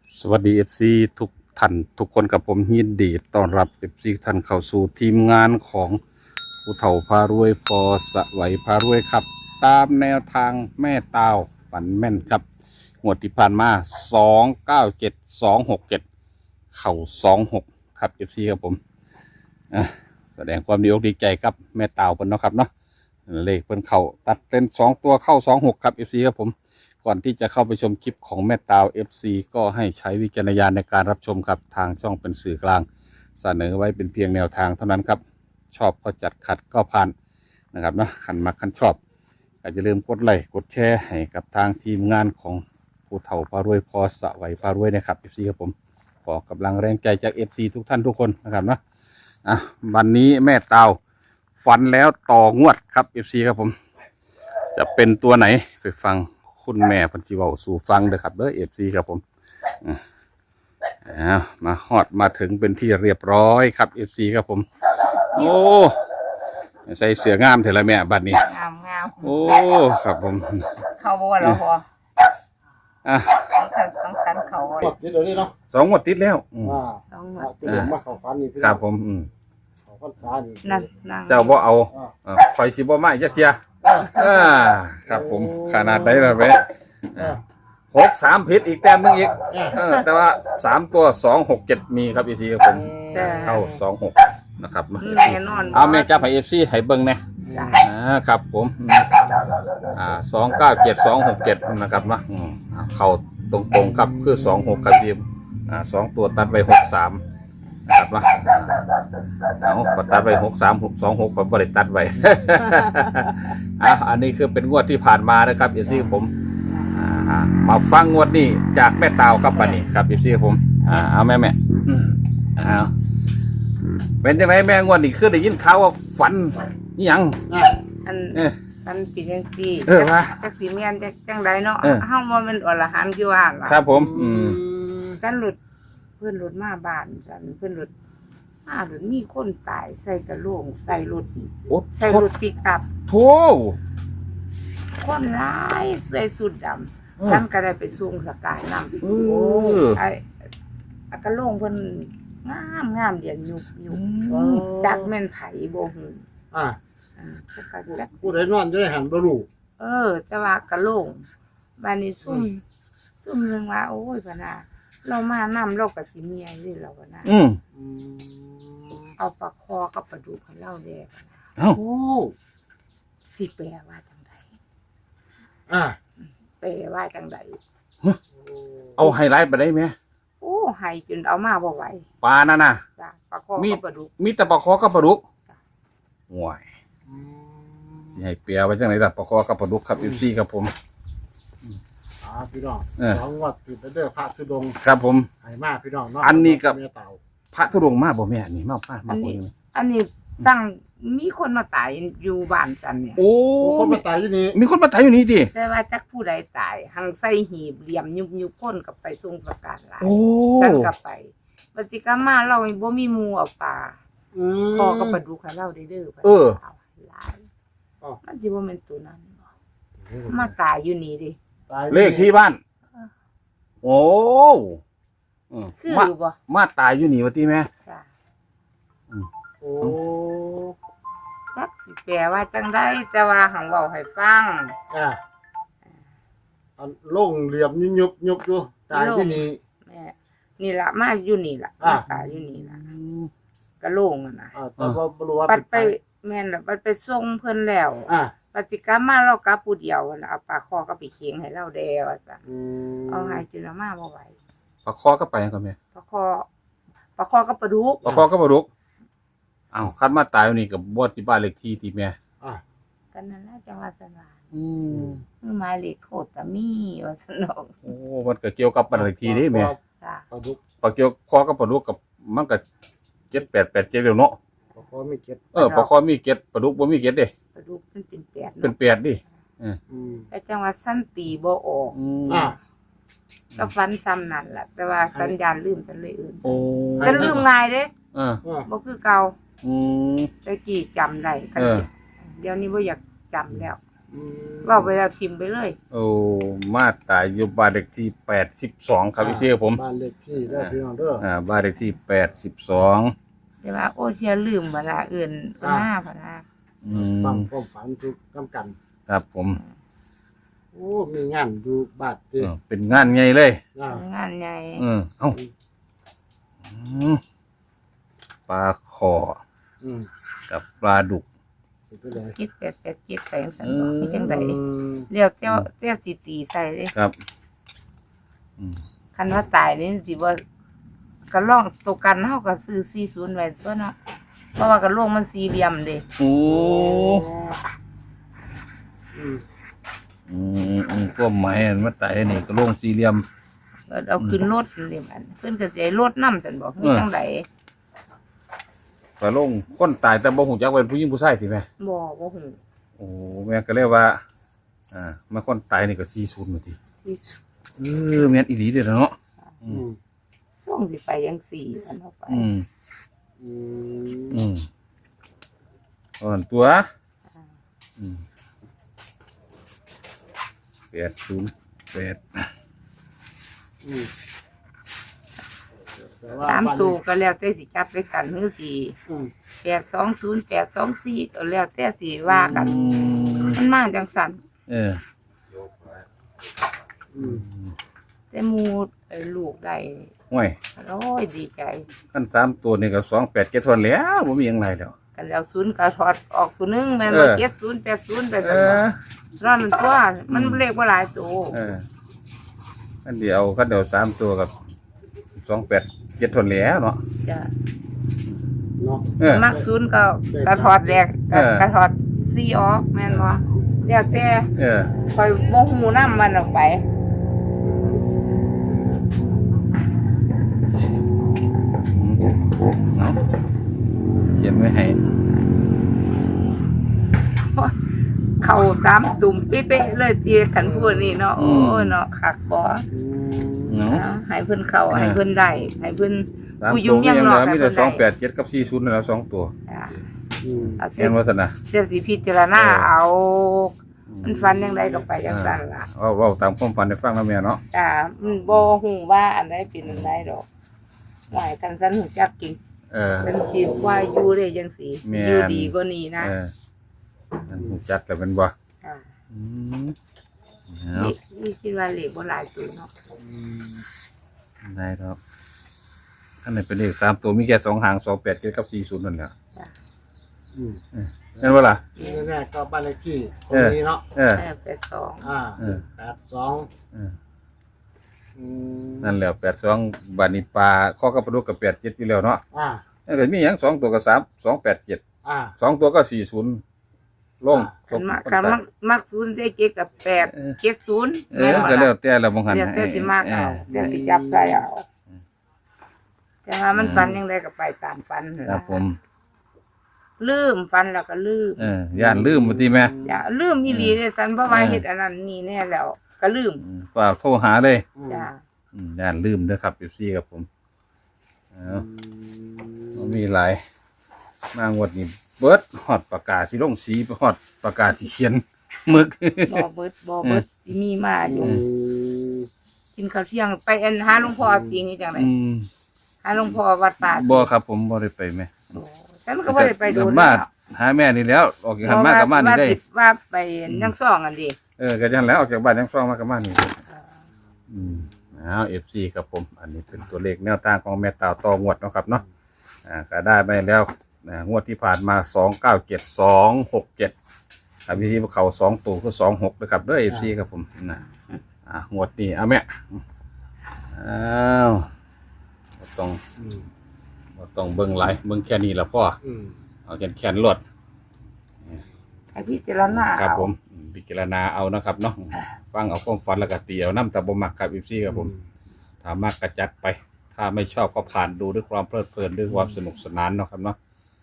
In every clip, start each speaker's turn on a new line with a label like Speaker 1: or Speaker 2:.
Speaker 1: สวัสดี FC ทุกท่านทุกคนกับผมยินดีต้อนรับ FC ท่านเข้าสู่ทีมงานของผู้เฒ่าพารวยพอสวัยพารวยครับ ตามแนวทางแม่ตาวฝันแม่นครับงวดที่ผ่านมา297 267เข่า26ครับ FC ครับผมแสดงความดีอกดีใจกับแม่ตาวเพิ่นเนาะครับเนาะเลขเพิ่นเข่าตัดเป็น2ตัวเข้า26ครับ FC ครับผมก่อนที่จะเข้าไปชมคลิปของแม่ตาว FC ก็ให้ใช้วิจารณญาณในการรับชมครับทางช่องเป็นสื่อกลางเสนอไว้เป็นเพียงแนวทางเท่านั้นครับชอบก็จัดขัดก็ผ่านนะครับนะขันมักขันชอบอย่าลืมกดไลค์กดแชร์ให้กับทางทีมงานของผู้เฒ่าพารวยพอสวัยพารวยนะครับ FC ครับผมขอกำลังแรงใจจาก FC ทุกท่านทุกคนนะครับนะวันนี้แม่ตาวฝันแล้วต่องวดครับ FC ครับผมจะเป็นตัวไหนไปฟังคุณแม่พันธิเว้าสู่ฟังเด้อครับเด้อ FC ครับผมมาฮอดมาถึงเป็นที่เรียบร้อยครับ FC ครับผมโอ้ใส่เสื้องามเถอะละแม่บัดนี้
Speaker 2: งามงาม
Speaker 1: โอ้ครับผม
Speaker 2: เขาบอกว่าเราพอต้องคันเขา
Speaker 3: หมดเดี๋ยวนี้เนาะ
Speaker 1: 2 งวดติดแล้ว
Speaker 2: ต้องหมด
Speaker 3: เตรียมมาเข้าฝันนี่พี่
Speaker 1: ครับผม
Speaker 3: เขาพรรษานี่
Speaker 2: นั่ง
Speaker 1: เจ้าบ่เอาคอยสิบ่มาจักเที่ยครับผมขนาดไหนล่ะแม่63ผิดอีกแต้มนึงอีกแต่ว่า3ตัว267มีครับ FC ครับผมเข้า26นะครับ
Speaker 2: แน่นอน
Speaker 1: เอาแม่จับให้ FC ให้เบิ่งแน่ครับผม297 267นะครับนะเข้าตรงๆครับคือ26กับทีม2ตัวตัดไป63นะครับนะเอาตัดไป63 26ผมบ่ได้ตัดไว้อันนี้คือเป็นงวดที่ผ่านมานะครับ FC ผมมาฟังงวดนี้จากแม่ตาวครับบัดนี้ครับ FC ผมเอาแม่เอาเป็นจังไงแม่งวดนี้คือได้ยินข่าวว่าฝันนี่ยัง
Speaker 2: อันปีจังซี่จักสิแม่นจังไดเนาะเฮาบ่แม่นอรหันต์คือว่าล่ะ
Speaker 1: ครับผม
Speaker 2: ฉันหลุดเพิ่นหลุดมาบ้านฉันเพิ่นหลุดหลุดมีคนตายใส่กระโหลกใส่รถปิกอัพ
Speaker 1: โธ่
Speaker 2: คนร้ายใส่สุดดำฉันก็ได้ไปสูงสกายนำไอ้กระโหลกเพิ่นงามเดียนยุบจักแม่นไผบ่ฮู้
Speaker 3: ผู้ใดนอนจะได้หันบ่รู้
Speaker 2: แต่ว่ากระโหลกบ้านนี้ซุ่มเรื่องว่าโอ้ยพะนาเรามานำเราก็สิเมียนี่เราพะนาเอาปลาคอกับปลาดุกให้เราแดก
Speaker 3: โอ้
Speaker 2: สิแปลว่าจังไดแปลว่าจังได
Speaker 1: เอาไฮไลท์ไปได้ไหม
Speaker 2: โอ้ไฮจนเอามาบ่ไหว
Speaker 1: ปลานั่นน่ะ
Speaker 2: ปลาคอกับปลาดุก
Speaker 1: มีแต่ปลาคอกับปลาดุกห่วยสิให้เปียไว้จังไหนล่ะปลาคอกับปลาดุกครับ FC ครับผม
Speaker 3: พี่น้อง2 งวดติดเด้อพระธุดงค์
Speaker 1: ครับผม
Speaker 3: ให้มาพี่น้องเนาะ
Speaker 1: อันนี้กับพระธุดงค์มาบ่แม่นี่มา
Speaker 2: อันนี้ตั้งมีคนมาตายอยู่บ้านกันเนี่ย
Speaker 1: โอ้
Speaker 3: คนมาตายอยู่นี่
Speaker 1: มีคนมาตายอยู่นี่ดิ
Speaker 2: แต่ว่าจักผู้ใดตายหังใส่หีบเหลี่ยมยุบพ่นกับไปทรงประการหลายสั่นกับไปปัจจิกามาเราบ่มีหมู่เอาปลาคอกับปลาดุกให้เราได้เด้อหลายมันสิบ่แม่นตัวนั้นมาตายอยู่นี่ดิ
Speaker 1: เลขที่บ้านโอ้
Speaker 2: คือบ่
Speaker 1: มาตายอยู่นี่ว่าติแม่
Speaker 3: โอ้
Speaker 2: จักสิแปลว่าจังได๋แต่ว่าหังเว้าให้ฟัง
Speaker 3: อันลงเหลี่ยมยุบอยู่ตายที่นี่
Speaker 2: แม่นี่ล่ะมาอยู่นี่ล่ะตายอยู่นี่ล่ะกะโลงน่ะ
Speaker 3: แต่บ่รู้ว่า
Speaker 2: ไปแม่นล่ะไปส่งเพิ่นแล้วปฏิกรรมมาเรากลับผู้เดียวเอาปลาคอก็ไปเคียงให้เราแดวจ้ะเอาให้จุลมาบ่ไหว
Speaker 1: ปลาคอก็ไปก็แม่
Speaker 2: ปลาคอก็ปลาดุก
Speaker 1: ปลาคอก็ปลาดุกอ้าวคันมาตายอยู่นี่ก็บ่ที่บ้านเลขที่ที่แม่
Speaker 2: กันนั่นล่ะจังหวัดสระมือหมายเลขโคตรมีว่าซั่นเนาะ
Speaker 1: โอ้มันก็เกี่ยวกับบ้านเลขที่นี่แม่
Speaker 3: ปลาดุก
Speaker 1: ปลาเกี่ยวคอกับปลาดุกกับมันก็7887แล้วเนาะ
Speaker 3: ปลาคอมีเกล็ด
Speaker 1: ปลาคอมีเกล็ดปลาดุกบ่มีเกล็ดเด้
Speaker 2: ปลาดุกมันเป็น8
Speaker 1: เป็น8ดิ
Speaker 2: แต่จังหวัดสันติบ่ออกก็ฟันซ้ำนั่นล่ะแต่ว่าสัญญาณลืมซั่นเลยอื่นจะลืมง่ายเด้บ่คือเก่าแต่กี้จำได้กันเดี๋ยวนี้บ่อยากจำแล้วเว้าไปแล้วทิมไปเลย
Speaker 1: โอ้มาตายอยู่บ้านเลขที่82ครับพี่เชื่อผม
Speaker 3: บ้านเลขที่เด้อพี่น้องเด้อ
Speaker 1: บ้านเลขที่82
Speaker 2: แต่ว่าโอ้เที่ยลืมเวลาอื่นก็หน้าพะนะ
Speaker 3: ฟังความฝันทุกกำกัน
Speaker 1: ครับผม
Speaker 3: โอ้มีงานอยู่บ้านติ
Speaker 1: เป็นงานไงเลย
Speaker 2: งานใหญ่
Speaker 1: เอ้าปลาขอ
Speaker 3: อืม
Speaker 1: กับปลาดุก
Speaker 3: เป็นตัวใด
Speaker 2: คิด8 8 7ไปจังซั่นบ่มีจังไดเรียกเจ้าสิตีใส่เลย
Speaker 1: ครับ
Speaker 2: คันว่าตายนี่สิบ่ก็ลองตัวกันเฮาก็ซื้อ40ไว้ตัวเนาะเพราะว่ากระโหลกมันสี่เหลี่ยมเด้
Speaker 1: โอ้
Speaker 3: อืม
Speaker 1: ก็หมายอันมาตายนี่ก็โล่งสี่เหลี่ยม
Speaker 2: ก็เอาขึ้นรถนี่มันเพิ่นก็สิให้รถนำซั่นบ่มีจังได
Speaker 1: ก็โล่งคนตายแต่บ่ฮู้จักว่าเป็นผู้หญิงผู้ชายติแม่
Speaker 2: บ่ฮู้
Speaker 1: โอ้แม่ก็เลยว่ามาคนตายนี่ก็40มาติ
Speaker 2: สิ
Speaker 1: แม่นอีหลีเด้อเนาะ
Speaker 3: อืม
Speaker 2: ส่งสิไปจังซี่กันเอาไป
Speaker 3: อืม
Speaker 1: อ่อนตัว808
Speaker 3: อืมแต่ว่า
Speaker 2: ตาม
Speaker 3: บ้าน
Speaker 2: ตัวก็แล้วแต่สิจับด้วยกันคือสิ
Speaker 3: อืม
Speaker 2: 820 824ก็แล้วแต่สิว่ากัน มันมาจังซั่น
Speaker 3: อืม
Speaker 2: แต่หมู่ลูกได้
Speaker 1: ห่วย
Speaker 2: โอ้ยดีใจ
Speaker 1: คัน3ตัวนี่ก็287ทวนแล้วบ่มีหยังไรแล้ว
Speaker 2: กันแล้ว0ก็ถอดออกตัวหนึงแม่น
Speaker 1: เอ
Speaker 2: บ่
Speaker 1: อ
Speaker 2: 70 80ไปซั่นบ่ร้อนมันตัวมันเลขบ่หลายตัว
Speaker 1: คันเดียว3ตัวกับ287ทวนแล้วเนาะ
Speaker 2: จ้ะ
Speaker 3: เนาะ
Speaker 2: มัก0ก็ถอดแรกก็ถอด4ออกแม่นบ่แล้วแต่ คอยโมหูน้ำมันออกไป
Speaker 1: เนาะเขียนไว้ให้
Speaker 2: เข่า3ตุ่มเป๊ะๆเลยเตียกันพูดนี่เนาะโอ้ยเนาะคักบ่
Speaker 1: เนาะ
Speaker 2: ให้เพิ่นเข้าให้เพิ่นได้ให้เพิ่น
Speaker 1: 3
Speaker 2: ผู้
Speaker 1: ตั
Speaker 2: ยุ่
Speaker 1: ว
Speaker 2: ง
Speaker 1: มี
Speaker 2: ยัง
Speaker 1: หยัง
Speaker 2: รอ
Speaker 1: เหลือมีแต่
Speaker 2: ให้เพิ่นได้
Speaker 1: 287กับ40นั่นแหล้ว2ตัว
Speaker 2: จ้ะ
Speaker 3: อืม
Speaker 2: เอา
Speaker 1: เขียนว่าซั่นน่ะ
Speaker 2: เดี๋ยวสิพิจารณาเอา มันฟันยังไดก็ไปจังซั่นล่ะ
Speaker 1: เว้าตามความฝันให้ฟังนะแม่เนาะ
Speaker 2: จ้ะมันบ่ฮู้ว่าอันใดเป็นอันใดดอกหลายกันซั่นฮู้จักจริงเป็นสิว่าอยู่ได้จังซี่อยู่ดีกว่านี้นะ
Speaker 1: นั่นรู้จักแล้วแม่นบ่
Speaker 2: จ้ะ
Speaker 1: เนาะ
Speaker 2: นี่คิดว่าเลขบ่หลายตัวเนาะ
Speaker 1: ได้ครับอันนี้เป็นเลข3ตัวมีแค่2หาง287กับ40นั่นแหละ
Speaker 2: จ้ะ
Speaker 3: อืม
Speaker 1: เห็นบ่ล่ะ
Speaker 3: นี่แน่ๆก็บ้านเลขที่ตรงนี้เนาะ
Speaker 2: 82
Speaker 3: 82
Speaker 1: นั่นแหละ82บาดนี้ปลาข้อกับปลาดุกกับ87อยู่แล้วเนาะ แล้วก็มีหยัง2ตัวก็3 287 2ตัวก็40ลง
Speaker 2: มัก0ได้เจ็ดกับ8 70แม่นบ่
Speaker 1: ก็แล้
Speaker 2: ล่ะ
Speaker 1: วแต่ละบ่หัน
Speaker 2: เดี๋ยวแต่สิมากเอาเดี๋ยวสิจับใส่เอาแต่ว่ามันฟันยังไดก็ไปตามฟัน
Speaker 1: ครับผม
Speaker 2: ลืมฟันแล้วก็ลืม
Speaker 1: ย่านลืมบ่ติแม่
Speaker 2: อย่าลืมอีหลีเด้ซั่นเพราะว่าเฮ็ดอันนั้นนี่แน่แล้วก็ลืม
Speaker 1: ฝากโทรหาเลย
Speaker 2: จ้ะ
Speaker 1: ย่านลืมเด้อครับ FC ครับผมมีหลายมางวดนี้เบิดฮอดปากกาสิลงสีฮอดปากกาที่เขียนหมึก
Speaker 2: บ่เบิดสิมีมาอยู่กินข้าวเที่ยงไปอันหาหลวงพ่อจริงนี่จังได๋หาหลวงพ่อวัดป่า
Speaker 1: บ่ครับผมบ่ได้ไปแม่
Speaker 2: ฉันก็บ่ได้ไปดู
Speaker 1: มาหาแม่นี่แล้วออกจากหันมากับมานี่ได้
Speaker 2: ว่าไปยังซ่องอันดิ
Speaker 1: ก็จังแล้วออกจากบ้านยังซ่องมากับมานี่FC ครับผมอันนี้เป็นตัวเลขแนวทางของแม่ตาวต่องวดเนาะครับเนาะก็ได้ไปแล้วงวดที่ผ่านมา297267ครับพี่เขา2ตัวคือ26นะครับเด้อ FC ครับผมงวดนี้แม่บ่ต้องเบิ่งหลายเบิ่งแค่นี้ละพ่อเอาแขนรถ
Speaker 2: ให้พิจารณา
Speaker 1: ครับผมพิจารณาเอานะครับเนาะฟังเอาความฝันแล้วก็ตีเอาน้ำตาบ่มักครับ FC ครับผมถ้ามักกระจัดไปถ้าไม่ชอบก็ผ่านดูด้วยความเพลิดเพลินด้วยความสนุกสนานเนาะครับเนาะ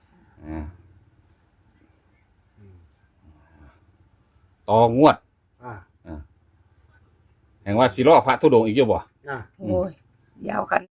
Speaker 1: ต่องวดแห่งว่าสิรอพระธุดงค์อีกอยู่บ่
Speaker 2: โอ้ยยาวกัน